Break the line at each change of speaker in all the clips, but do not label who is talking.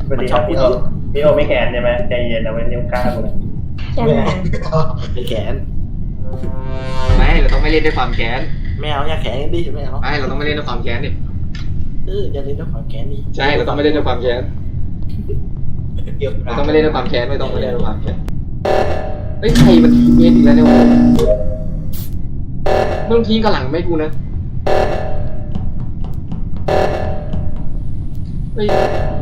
มันชอบพี่โอไม่แขนใช่ไหมใจเย็นเอาไว้นิ้วกล้าเลย
ใช่ไหม
ไม่แขน
ไม่เราต้องไม่เล่นด้วยความแค้น
ไม่เอาอย่าแขนดิไม่เอา
ไม่เราต้องไม่เล่นด้วยความแค้นดิ
อย่าเล่นด้วยความแขนดิ
ใช่เราต้องไม่เล่นด้วยความแค้นเราต้องไม่เล่นด้วยความแค้นไม่ต้องไม่เล่นด้วยความแค้นเฮ้ยใครมันทิ้งเงี้ยอีกแล้วเนี่ยไม่ต้องทิ้งกระหลังไม่กูนะเฮ้ย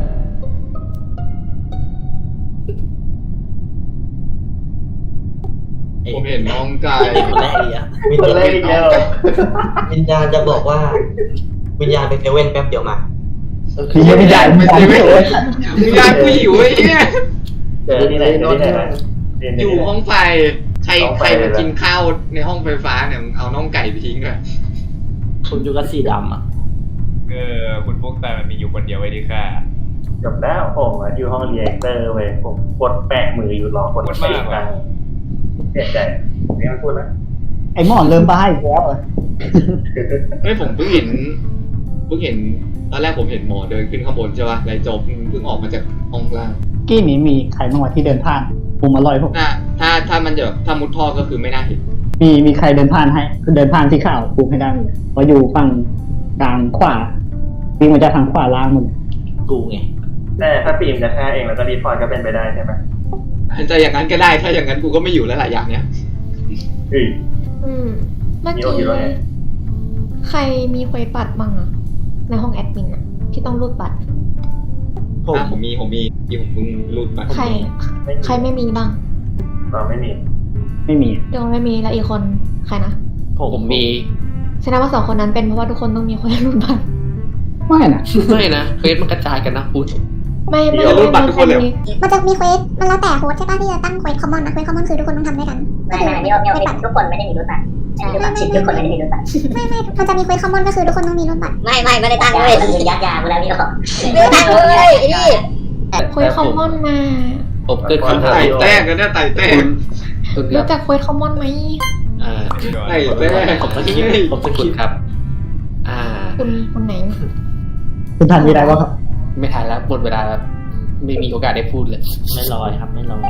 ผมเห็นน้องกาย
คนแรกเลยอ่ะ
มีคนเล่นอีกแล้ว
วิญญาณจะบอกว่า วิญญาณไปเซเว่นแป๊บเดียวมา
คือไม่ได้
ไม่ใช่ไม่ยากกูหิวไอ้เนี่ย
เจอที่ไหนเจอที่ไหน
อยู่ห้องไฟใครมากินข้าวในห้องไฟฟ้าเนี่ยเอาน่องไก่ไปทิ้งด้วย
คุณอยู่กับสีดำอ่ะ
คุณฟุกแต่มันมีอยู่คนเดียวไว้ดีค่ะ
จบแล้วผมอยู่ห้องเรียกเตอร์เว้ยผมกดแปะมืออยู่รอกดไปอีกครั้งเสียใจไม่ต้องพูดนะ
ไอ้หมอนเริ่มบ้าอีกแล้ว
เฮ้ยผมเพิ่งเห็นตอนแรกผมเห็นหมอเดินขึ้นข้างบนใช่ป่ะไรจบเพิ่งออกมาจากห้องล่าง
กี้นี้มีใครบ้างวะที่เดินผ่านผมอร่อยผม
ถ้ามันจะถ้ามุดท่อก็คือไม่น่าเห็น
มีใครเดินผ่านให้คือเดินผ่านที่ข่าวปูให้ได้เพราะอยู่ฝั่งกลางขวาวิ่งมาจากทางขวาล่างหมด
กูไง
แต่ถ้าฟิล์มจะฆ่าเองแล้วก็รีพอร์ตก็เป็นไปได้ใช่ไหม
จะอย่างนั้นก็ได้ถ้าอย่างนั้นกูก็ไม่อยู่แล้วหลายอย่างเนี้ย
เฮ้ย
เมื่อ
มี
กี้
โอคิดว่าไง
ใครมีเควสบัตรบ้างอะในห้องแอดมินอะที่ต้องรูดบัตร
ผมมีที่ผมเพิ่งรูดมา
ใครไม่มีบ้าง
เราไม่มี
ไม่มี
เดี๋ยวไม่มีแล้วอีกคนใครนะ
ผมมี
แสดงว่า2 คนนั้นเป็นเพราะว่าทุกคนต้องมีเควสรูดบัตร
ไม่นะ
ไม่นะเควสมันกระจายกันนะพูด
ไม่
บัตรทุกคนเลย
มันจะมีเควสมันแล้วแต่โฮสต์ใช่ป่ะที่จะตั้งเควสคอมมอนนะเควสคอมมอนคือทุกคนต้องทำด้วยกัน
ไม่มีทุกคนไม่ได้มีรูปบัตรทุกคนไม่ได้มีรูปบัตร
ไม่มันจะมีเควสคอมมอนก็คือทุกคนต้องมีรุ่นบัตร
ไม่ได้ตั้งเลยคือยัดยาเวลานี้หรอกไม่ได้ตั้งเลยนี่
เควสคอมมอนมา
ผมเกิดคำถาม
ไต่แตกกันเนี่ยไต่แตก
รู้จักเควสคอมมอนไหม
ไต่แตก
ผมจะคิดครับ
คุณไหน
คุณทันมีอะไรบ้างครับ
ไม่ทันแล้วหมดเวลาแล้วไม่มีโอกาสได้พูดเลย
ไม่ลอยครับไม่ลอย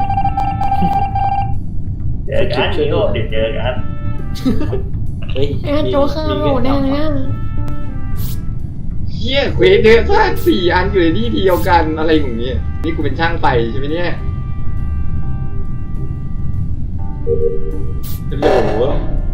เจอกันมีโอเดี๋ยวเจอกัน
เฮ้ย
โจเคอร์โหลแน่เลยอะ
เฮียเควสเยอะมาก4 อันอยู่ในที่เดียวกันอะไรอย่างเงี้ยนี่กูเป็นช่างไฟใช่ไหมเนี่ยเป็นโหล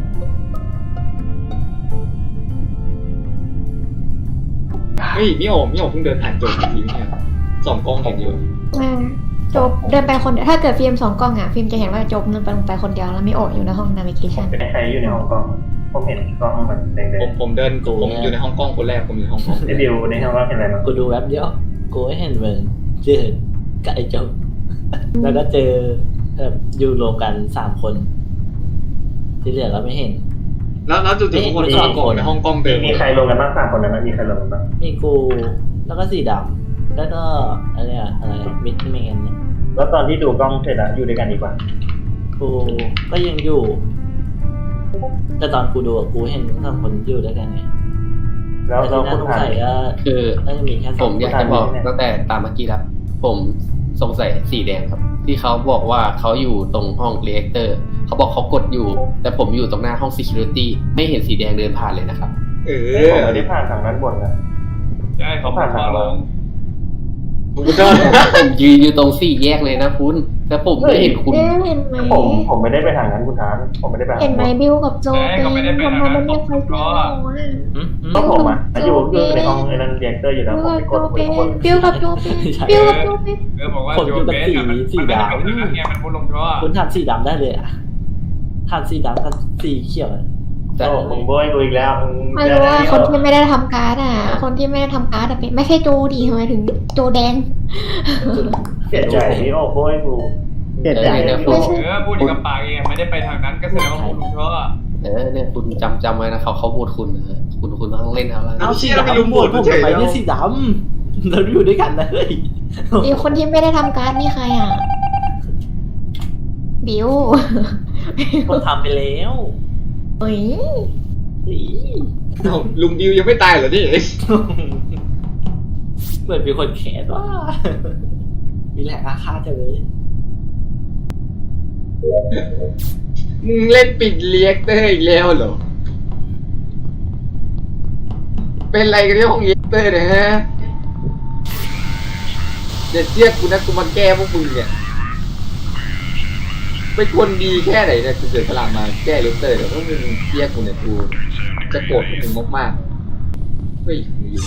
เฮ้ยมิโอเพิ่งเดินผ่านจบทีเนี่ย2 กล้องเห็นอยู่
โจบเดินไปคนเดียวถ้าเกิดฟิล์ม2 กล้องอะฟิล์มจะเห็นว่าโจบเดินไปลงไปคนเดียวแล้วไม่โอดอยู่ในห้องนาวิเกชัน
เป็นใครอยู่ในห้องกล้องผมเห็นกล้องมันแดง
ผมอยู่ในห้องกล้องคนแรกผมอยู่ในห้องกล้อง
ๆไอ้บิวในห้องกล้องเห็นอะไรมั้ง
กูดูแวบเดียวกูเห็นเหมือนเจอกับไอ้เจ้าแล้วก็เจออยู่รวมกัน3 คน ที่เหลือเราไม่เห็น
แล้วจู่ๆทุกคนเข้ากล่องในห้องกล้องเดิม
มีใครลงกันบ้าง3 คนนั้นมีใครลงกันบ้าง
มีกูแล้วก็สีดำแล้วก็อะไรมิดแมนเนี่ย
แล้วตอนที่ดูกล้องเสร็จแล้วอยู่ด้วยกันอีกว่า
กูก็ยังอยู่ แต่ตอนกูดูกูเห็นทั้งคนอยู่ด้วยกันไง
แล้ว
แต่
เรา
ที่
พู
น่า
ด
สง
ผ่าน
สัยก็
คือ
น่าจะมีแค่
ผมอยากจะบอกตั้งแต่ตามเมื่อกี้แล้วผมสงสัยสีแดงครับ ที่เขาบอกว่าเขาอยู่ตรงห้องเรียกเตอร์เขาบอกเขากดอยู่ แต่ผมอยู่ตรงหน้าห้อง security ไม่เห็นสีแดงเดินผ่านเลยนะครับ
ผมไม่ได้ผ่านทางนั้นบนนะ
ใช่เขาผ่านทางลง
ผมก็
ผมยืนอยู่ตรงสี่แยกเลยนะคุณแต่ผมไม่เห็นคุณ
เห็นไหม
ผมไม่ได้ไปทางนั้นคุณทานผมไม่ได้ไป
เห็นไหมบิวกับโจเป็นทำไมมันเรียกไฟเซลอะ
ก็ผมอยู่ในห้องในนั้นเรียกเตอร์อยู่แล้วผมไปกดคุยกับคน
บิวกับโจเป็น
บอกว่าโจเบสมันไม่ได้เป็นอย่างนั้นไงมันพูดลงท่อ
คุณทำสีดำได้เลยอ่ะทำสีดำกับสีเขียว
โอ้มึงโบยกูอีกแล้ว
ไม่รู้ว่าคนที่ไม่ได้ทำการ์ดอ่ะคนที่ไม่ได้ทำการ์ดเป็นไม่ใช่โจดีทำไมถึงโจแดง
เสียใจที่โอ้โบยกู
เสียใจ
พูดกับปากเองไม่ได้ไปทางนั้นก็แสดงว่าพูดลงท่อ
เนี่ยคุณจำไว้นะเขาพูดคุณนะคุณต้องเล่นเอาละ
เอาสีดำผมไปที่สีดำเราอยู่ด้วยกันนะเฮ้ย
อีกคนที่ไม่ได้ทำการ์ดนี่ใครอ่ะบิว
ผมทำไปแล้ว
เอ้ย
ลุงบิวยังไม่ตายเหรอนี่
เหมือนมีคนแขนว่า มีแหละอาฆาตจังเลย
มึงเล่นปิดเรียกเตอร์อีกแล้วเหรอเป็นไรกันที่ห้องเรียกเตอร์เนี่ยฮะเดี๋ยวเรียกกูนะกูมาแก้พวกมึงเนี่ยเป็นคนดีแค่ไหนเนี่ยกูเสียสละมาแก้เรียกเตอร์เดี๋ยวพวกมึงเรียกกูเนี่ยกูจะโกรธพวกมึงมากๆเฮ้ยมึงอยู่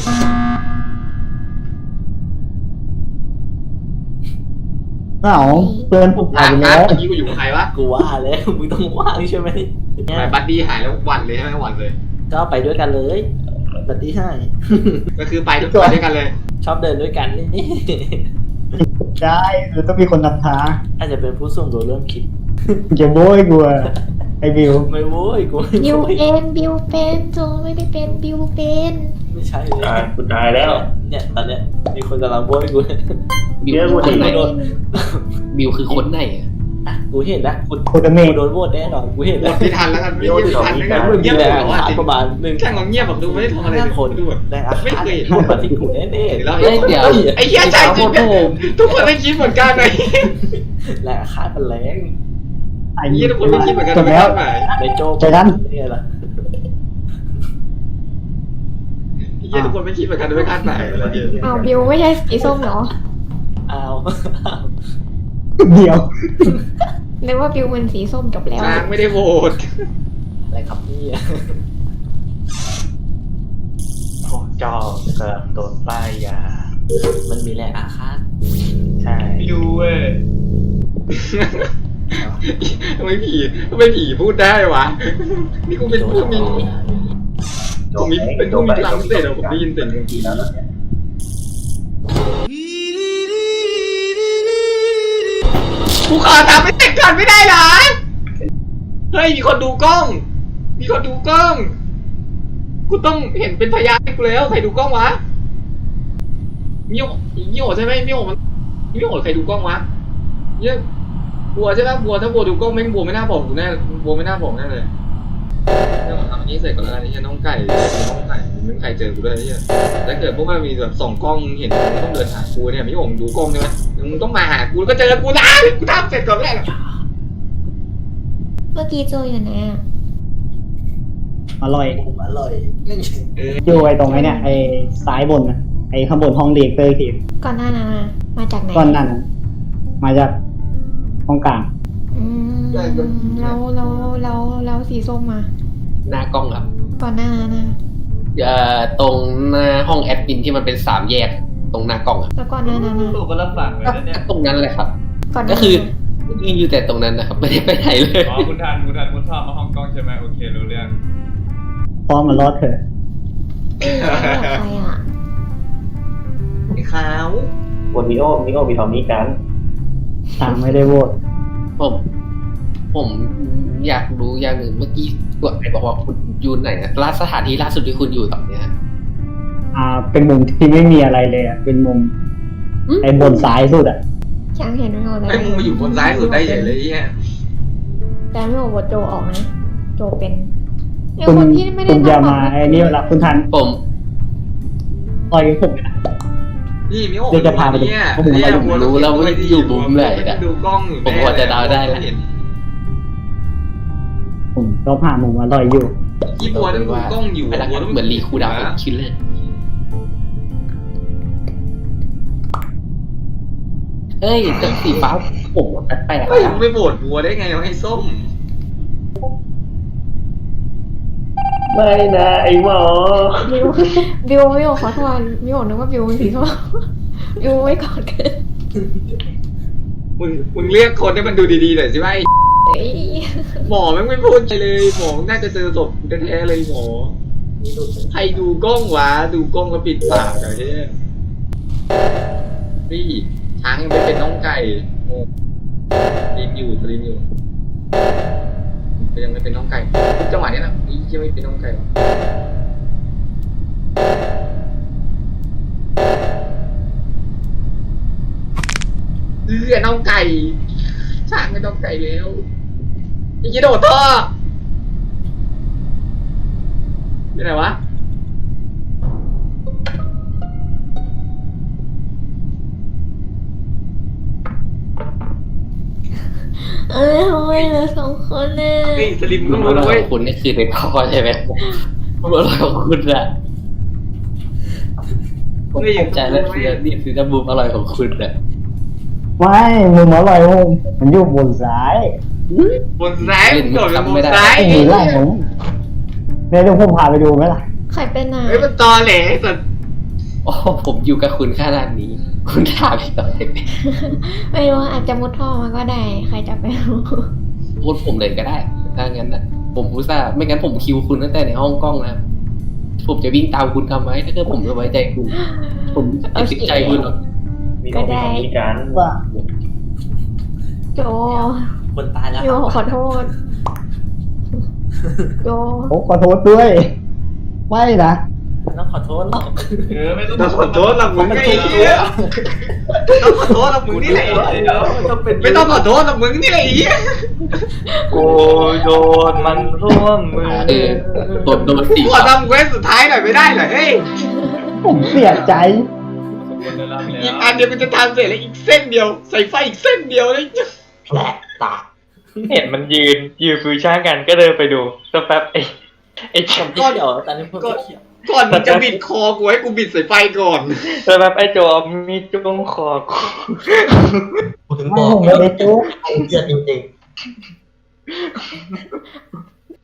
เอ้าเพื่อนผมหายไปแล้ว
เมื่อกี้กูอยู่กับใครวะ
กูว่าแล้ว มึงต้องว่างใช่ไหม
ทำไมบัดดี้หายแล้วหวันเลยใช่ไหมหวันเลย
ก็ไปด้วยกันเลยบัดดี้ให้
ก็คือไปทุกคนด้วยกันเลย
ชอบเดินด้วยกันนี่
ได้หรือต้องมีคนนำทาง
อาจจะเป็นผู้ส่งตัวเริ่มคิด
จะโบยกูอะไอ้บิว
ไม่โว้ยกูไม่
บิว
โว้ย
เป็นบิวเป็นโจไม่ได้เป็นบิวเป็น
ไม่ใช่เลย
กูตายแล้ว
เนี่ยตอนเนี้ยมีคนกำลังโว้ยกู
บิว
เดี๋ยว
คือคนไหน
โดน
บิวคือคนไหนอะ
อ่ะกูเห็นแล้วกู
โคตรเม
กู
ฆ
โดนโหวตแน่นอนกูเห็น
หม
แล้ว
ดไม่ทันแล้วกันไม่เงียบทันแล้วกัน
มึง
เงียบ
แร
เลย
ง
เหรอ
อา
ว่า
ฆาตประมาณหนึ่ง
ช่างเราเงียบแบบดูไม่ได้ทำอะไร
ห้าคน
ดูแบบ
แรงอา
ไม่
ฆาต
เคยเห็น
พูดมาที่กูแน่
แล้ว
เอ้ยเดี๋ยว
ไอ้เหี้ยใจจริงทุกคนไม่คิดเหมือนกันเลย
ๆแรงอาฆาตมันแรง
ไอ้
ไอ้เหี้ยทุกคนไม่คิดเหมือนกัน
จบแล้ว
ไม่
ในโจ๊ก
ใจนั้น
เนี่ยล่ะ
ไอ้เหี้ยทุกคนไม่คิดเหมือนกันไม่คาดหมายอะไรเงี้ย
อ้าวบิวไม่ใช่สีส้มเหรอ
อ้าว
เดียว
นึกว่าบิวเป็นสีส้มจบแล้ว
ช้างไม่ได้โหวต
อะไรครับเนี่ย
โอ้จอเกือบโดนป้ายยา
มันมีแรงอาฆาต
ใช่
บิวเว้ย
ทำไมผีพูดได้วะนี่กูเป็นผู้มีผมมีเป็นผู้มีพลังพิเศษเหรอผมได้ยินเสียง
ทีแล้วเนี่ย
กูขอทำให้เสร็จก่อนไม่ได้เหรอเฮ้ยมีคนดูกล้อง มีคนดูกล้อง กูต้องเห็นเป็นพยานให้กูแล้วใครดูกล้องวะมิโอใช่ไหมมิโอใครดูกล้องวะเนี่ยบัวใช่ไหมบัวถ้าบัวดูกล้องไม่บัวไม่น่าบอกกูแน่บัวไม่น่าบอกแน่เลยเนี่ยผมทำอันนี้เสร็จก่อนแล้วกันนี่น้องไก่ไม่มีใครเจอกูด้วยเนี่ยถ้าเกิดพวกมันมีแบบส่องกล้องเห็นมึงต้องเดินหากูเนี่ยมิโอดูกล้องใช่ไหมมึงต้องมาหากูแล้วก็เจอกูนะกูทำเสร็จก่อนแรก
เมื่อกี้โจอยู่ไหนอ่ะ
อร่อย
อร่อย
อยู่ไอ้ตรงไอ้เนี่ยไอ้ซ้ายบนนะไอ้ข้างบนห้องเรียกเตอร์ทีม
ก่อนหน้านั้นอะมาจากไหน
ก้อนนั่นน่ะมาจากห้องกลาง
อืมแล้วสีส้มมา
หน้ากล้องครับ
ก่อนหน้านั้นนะ
ตรงหน้าห้องแอดมินที่มันเป็น3แยกตรงหน้ากล้องอะ
แล้วก่อนหน้านั้นนะ
ตัวก็รับสั่งเลยนะเนี่ย
ตรงนั้นแหละครับ
ก่อนหน้า
ก็คือ
นั้น
ยืนอยู่แต่ตรงนั้นนะครับไม่ได้ไปไหนเลย
อ๋อคุณทันชอบมาฮ่องกงใช่ไหมโอเครู้เรื่อง
พร้อมมารอดเถอะ
ใครอ่ะ
ไอ้ขาว
วันมิโอมีทอมมี่กัน
ทางไม่ได้โหวต
ผมอยากรู้อย่างหนึ่งเมื่อกี้กดไหนบอกว่าคุณอยู่ไหนนะสถานที่ล่าสุดที่คุณอยู่ตอนเนี้ย
เป็นมุมที่ไม่มีอะไรเลยอ่ะเป็นมุมไอ้บนซ้ายสุดอ่ะ
ช้างเห็นไม่หมดเลย
ไอ้มึงมาอยู่บนซ้ายสุดได้เฉยเลยเนี่ย
แต่ไม่บอกว่าโจออกนะโจเป็นไอ้
คุณ
คนที่ไม่ได้
คุณอย่า
ทำ
มาไอ้นี่เวลาคุณทัน
ผม
ต่อยผมนะ
นี่มิโอ
เดี๋ยวจะพาไปดู
เนี่ย
ผมไม่รู้
รู้แล้วว่าอยู่มุมไหนนะ
ดูกล้องอยู่
ผมพอจะเดาได้แล้ว
ผมก็ผ่านมุมอร่อยอยู่
ที่บัวต้องดูกล้องอยู่
เวลา
บัวต้อง
เหมือนรีคูดาวน์ของคิลเลอร์เฮ้ยแต่สีฟ้าผมแปลก
เฮ้ย
ๆ
มึ
นะ
งไปโหวตบัวได้ไงวะไอ้ส้ม
ไม่นะไอ้หมอ
บิวขอโทษบิวนึกว่าบิวเป็นสีส้มบิวไม่กอดกัน
มึงเรียกคนให้มันดูดีๆหน่อยสิว่าไอ้
เฮ้ย
หมอแม่งไม่พูดอะไรเลยหมอน่าจะเจอศพแท้ๆเลยหมอใครดูกล้องวะดูกล้องแล้วปิดปากอะไรเนี่ยนี่ช้างยังไม่เป็นน้องไก่โง่รีบอยู่ก็ยังไม่เป็นน้องไก่ทุกจังหวะเนี้ยนะนี่ยังไม่เป็นน้องไก่หรอน้องไก่ช้างไม่น้องไก่แล้วนี่จะโดดท่อไปไหนวะ
ทำไมเหลือ2 คนน่ะ
นี่สลิม
มุ
ต้อ
ม
ง
อ
รู้
ร่
นะ
อย
เว้ย
ของคุณนี่คือในท่อใช่ไหมมุมอร่อยของคุณอะ
ไม่อยู่
ใจแล้วคือนี่คือมุมอร่อยของคุณอะ
ไม่มุมอร่อยมันอยู่บนซ้าย
บนซ้ายโดดเป็นบนซ้าย
ไอ้หนีไล่ผมเนี่ยเดี๋ยวผมพาไปดูไหมล่ะ
ใครเป็นอ่ะ
เฮ้ยมันตอแหลสัตว์
โอ้ผมอยู่กับคุณขนาดนี้ คุณถามพี่ต่อเลย
ไม่รู้อาจจะมุดท่อมาก็ได้ ใครจะไปรู้
พูดผมเลยก็ได้ถ้างั้นนะผมอุตส่าห์ไม่งั้นผมคิวคุณตั้งแต่ในห้องกล้องนะผมจะวิ่งตามคุณทำไมถ้าเกิดผมจะไว้ใจคุณผมจะติดใจคุณหรอก
มีของมีการ
ว่า
โจ
คนตายแล้ว
โยขอโทษโย
ผมขอโทษด้วย ไม่นะ
ไม่ต้องขอโทษหรอก
ไม่ต้อง
ต้องขอโทษหรอกมึงไอ้เหี้ยต้องขอโทษหรอกมึงนี่แหละ ไม่ต้องขอโทษหรอกมึงนี่แหละไอ้เหี้ย
กูโดนมันร่วมมือ
โดนสี่
กูขอทำเควสสุดท้ายหน่อยไม่ได้เหรอเฮ้ย
ผมเสียใจ
อีกอันเดียวมันจะทำเสร็จแล้วอีกเส้นเดียวใส่ไฟอีกเส้นเดียวเลย
แผลตา
เห็นมันยืนฟิวชั่นกันก็เดินไปดูสักแป๊บไอ้จอม
ก็เดี๋ยวตอนนี้พวกเขียว
ก่อนมึงจะบิดคอกูให้กูบิดใส่ไฟก่อน
สักแป๊บไอ้โจอมีจุ้งคอกู
กูถึงบ
ไม่
อก
ผมไม่ได้จุ๊บ
เลือดจริง